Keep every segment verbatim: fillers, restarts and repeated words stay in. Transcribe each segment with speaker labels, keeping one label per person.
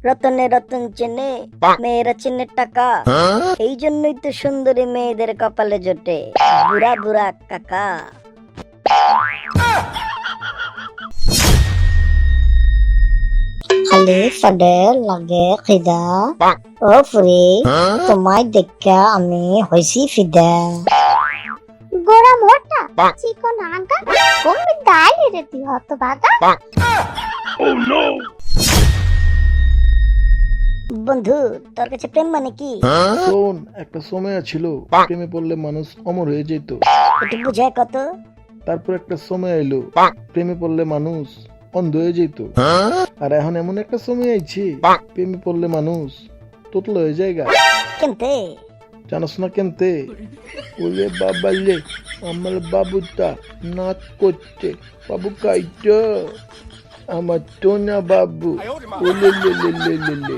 Speaker 1: রতনে রতন চেনে, মেয়েরা চেনে টাকা। এই জন্যই তো সুন্দরী মেয়েদের কপালে জোটে বুড়া বুড়া কাকা। খালি ফাডে লাগে খিদা, ও ফুরি তোমায় দেখা আমি হইছি ফিদা।
Speaker 2: গোড়া মোটা চিকন আগা কোন দাঁড়িয়ে রে তুই হত বাগা।
Speaker 1: বন্ধু তোর কাছে প্রেম মানে কি?
Speaker 3: শোন, একটা সময় ছিল প্রেমে পড়লে মানুষ অমর হয়ে যেত।
Speaker 1: একটু বুঝায় কত।
Speaker 3: তারপর একটা সময় এলো প্রেমে পড়লে মানুষ অন্ধ হয়ে যেত। আর এখন এমন একটা সময় আইছে প্রেমে পড়লে মানুষ তোতলা হয়ে যায়গা।
Speaker 1: কেনতে
Speaker 3: জানোস না কেনতে? ওরে বাবালে, আমার বাবুটা নাচ করছে, বাবু কাইটা আমার তো না বাবু। ওলে লে লে লে লে লে।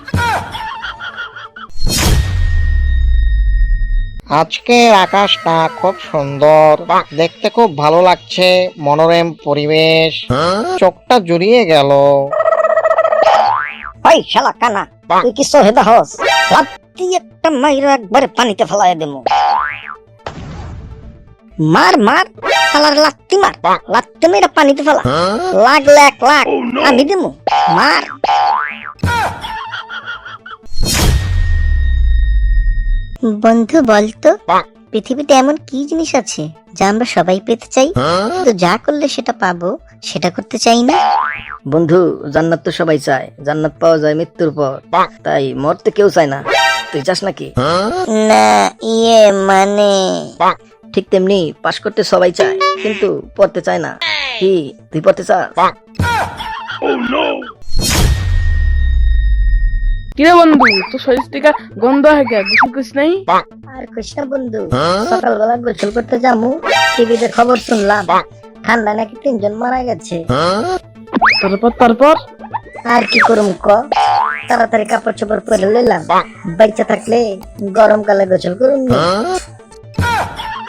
Speaker 4: আজকের আকাশটা খুব সুন্দর, দেখতে খুব ভালো লাগছে, মনোরম পরিবেশ, চোখটা জুড়িয়ে গেল।
Speaker 1: ওই শালা কানা, তুই কি সহেদা হস? লাত্তি একটা মাইরা একবারে পানিতে ফেলায় দেবো। মার মার শালার লাত্তি মার, লাত্তি মেয়েরা পানিতে ফেলা। লাগলে এক লাখ আমি দেবো, মার। বন্ধু বলতো, পৃথিবীতে এমন কি জিনিস আছে যা আমরা সবাই পেতে চাই, কিন্তু যা করলে সেটা পাবো সেটা করতে চাই না? বন্ধু, জান্নাত তো সবাই চায়, জান্নাত পাওয়া যায় মৃত্যুর পর, তাই মরতে কেউ চায় না। তুই চাস নাকি? না, ইয়ে মানে ঠিক তেমনি পাস করতে সবাই চায়, কিন্তু পড়তে চায় না। কি তুই পড়তে চাস?
Speaker 5: কিরে বন্ধু, তো শরীর থেকে গন্ধ হয় কে? গোসল করিস নাই?
Speaker 1: আর কইস না বন্ধু, সকালবেলা গোসল করতে যাবো, টিভিতে খবর শুনলাম ঠান্ডা নাকি তিনজন মারা গেছে।
Speaker 5: তারপর তারপর
Speaker 1: আর কি করুম ক, তাড়াতাড়ি কাপড় চোপড় পরে লইলাম, বাইচা থাকলে গরমকালে গোসল করুম।